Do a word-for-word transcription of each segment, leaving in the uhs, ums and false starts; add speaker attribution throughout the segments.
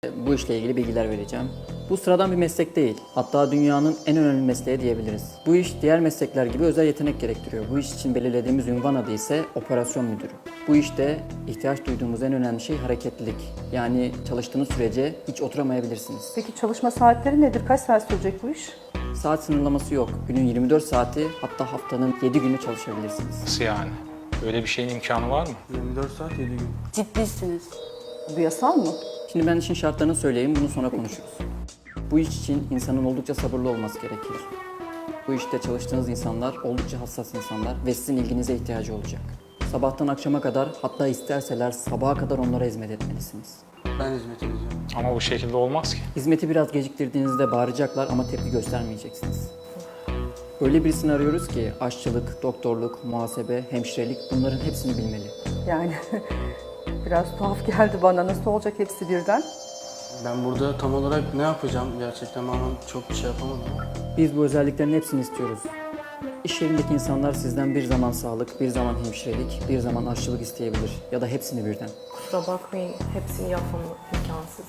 Speaker 1: Bu işle ilgili bilgiler vereceğim. Bu sıradan bir meslek değil. Hatta dünyanın en önemli mesleği diyebiliriz. Bu iş diğer meslekler gibi özel yetenek gerektiriyor. Bu iş için belirlediğimiz ünvan adı ise operasyon müdürü. Bu işte ihtiyaç duyduğumuz en önemli şey hareketlilik. Yani çalıştığınız sürece hiç oturamayabilirsiniz.
Speaker 2: Peki çalışma saatleri nedir? Kaç saat sürecek bu iş?
Speaker 1: Saat sınırlaması yok. Günün yirmi dört saati, hatta haftanın yedi günü çalışabilirsiniz.
Speaker 3: Nasıl yani? Öyle bir şeyin imkanı var mı?
Speaker 4: yirmi dört saat yedi gün.
Speaker 5: Ciddisiniz.
Speaker 2: Bu yasal mı?
Speaker 1: Şimdi ben işin şartlarını söyleyeyim, bunu sonra konuşuruz. Bu iş için insanın oldukça sabırlı olması gerekir. Bu işte çalıştığınız insanlar oldukça hassas insanlar ve sizin ilginize ihtiyacı olacak. Sabahtan akşama kadar, hatta isterseler sabaha kadar onlara hizmet etmelisiniz.
Speaker 4: Ben hizmet edeceğim.
Speaker 3: Ama bu şekilde olmaz ki.
Speaker 1: Hizmeti biraz geciktirdiğinizde bağıracaklar ama tepki göstermeyeceksiniz. Öyle birisini arıyoruz ki aşçılık, doktorluk, muhasebe, hemşirelik bunların hepsini bilmeli.
Speaker 2: Yani biraz tuhaf geldi bana. Nasıl olacak hepsi birden?
Speaker 4: Ben burada tam olarak ne yapacağım gerçekten ama çok bir şey yapamadım.
Speaker 1: Biz bu özelliklerin hepsini istiyoruz. İş yerindeki insanlar sizden bir zaman sağlık, bir zaman hemşirelik, bir zaman aşçılık isteyebilir ya da hepsini birden.
Speaker 5: Kusura bakmayın, hepsini yapmam imkansız.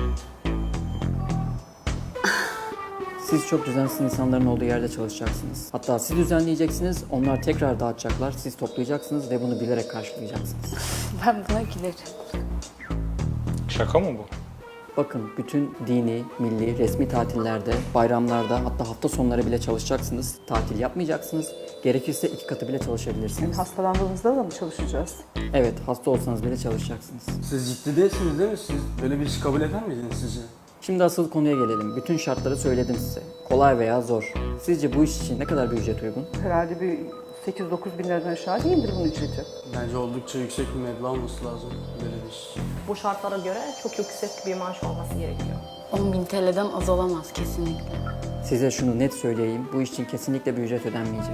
Speaker 1: Siz çok düzensiz insanların olduğu yerde çalışacaksınız. Hatta siz düzenleyeceksiniz, onlar tekrar dağıtacaklar, siz toplayacaksınız ve bunu bilerek karşılayacaksınız.
Speaker 5: Ben buna gülerim.
Speaker 3: Şaka mı bu?
Speaker 1: Bakın, bütün dini, milli, resmi tatillerde, bayramlarda, hatta hafta sonları bile çalışacaksınız. Tatil yapmayacaksınız. Gerekirse iki katı bile
Speaker 2: Yani
Speaker 1: çalışabilirsiniz.
Speaker 2: hastalandığımızda da mı çalışacağız?
Speaker 1: Evet, hasta olsanız bile çalışacaksınız.
Speaker 4: Siz ciddi değilsiniz değil mi? Siz böyle bir işi kabul eder miydiniz sizce?
Speaker 1: Şimdi asıl konuya gelelim. Bütün şartları söyledim size. Kolay veya zor. Sizce bu iş için ne kadar bir ücret uygun?
Speaker 2: Herhalde bir sekiz dokuz bin liradan aşağı değildir bunun ücreti.
Speaker 4: Bence oldukça yüksek bir meblağ olması lazım böyle bir iş.
Speaker 6: Bu şartlara göre çok yüksek bir maaş olması gerekiyor.
Speaker 5: on bin T L'den az olamaz kesinlikle.
Speaker 1: Size şunu net söyleyeyim. Bu iş için kesinlikle bir ücret ödenmeyecek.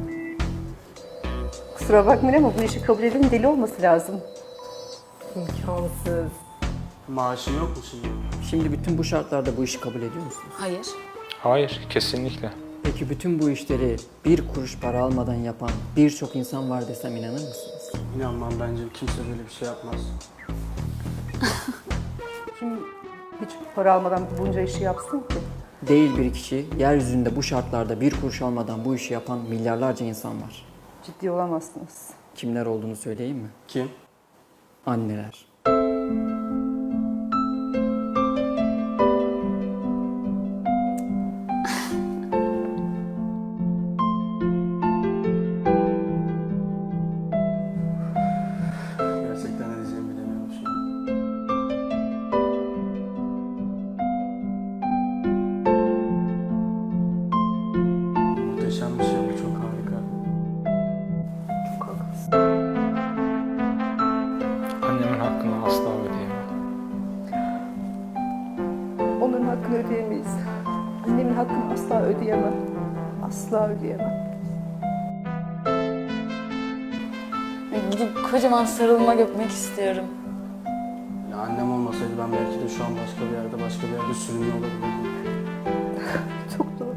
Speaker 2: Kusura bakmayın ama bu işi kabul edenin deli olması lazım.
Speaker 6: İmkansız.
Speaker 4: Maaşım yok mu şimdi?
Speaker 1: Şimdi bütün bu şartlarda bu işi kabul ediyor musunuz?
Speaker 5: Hayır.
Speaker 3: Hayır, kesinlikle.
Speaker 1: Peki bütün bu işleri bir kuruş para almadan yapan birçok insan var desem inanır mısınız?
Speaker 4: İnanmam, bence kimse böyle bir şey yapmaz.
Speaker 2: Kim hiç para almadan bunca işi yapsın ki?
Speaker 1: Değil bir kişi, yeryüzünde bu şartlarda bir kuruş almadan bu işi yapan milyarlarca insan var.
Speaker 2: Ciddi olamazsınız.
Speaker 1: Kimler olduğunu söyleyeyim mi?
Speaker 4: Kim?
Speaker 1: Anneler.
Speaker 4: Gerçekten ne diyeceğimi bilemiyorum şu an. Muhteşem bir şey bu, çok harika.
Speaker 6: Çok haklısın.
Speaker 3: Annemin hakkını asla ödeyemem.
Speaker 2: Onların hakkını ödeyemeyiz. Annemin hakkını asla ödeyemem. Asla ödeyemem.
Speaker 5: Gidip kocaman sarılmak öpmek istiyorum.
Speaker 4: Ya annem olmasaydı ben belki de şu an başka bir yerde, başka bir yerde sürünüyor olabilirdim.
Speaker 2: Çok doğru.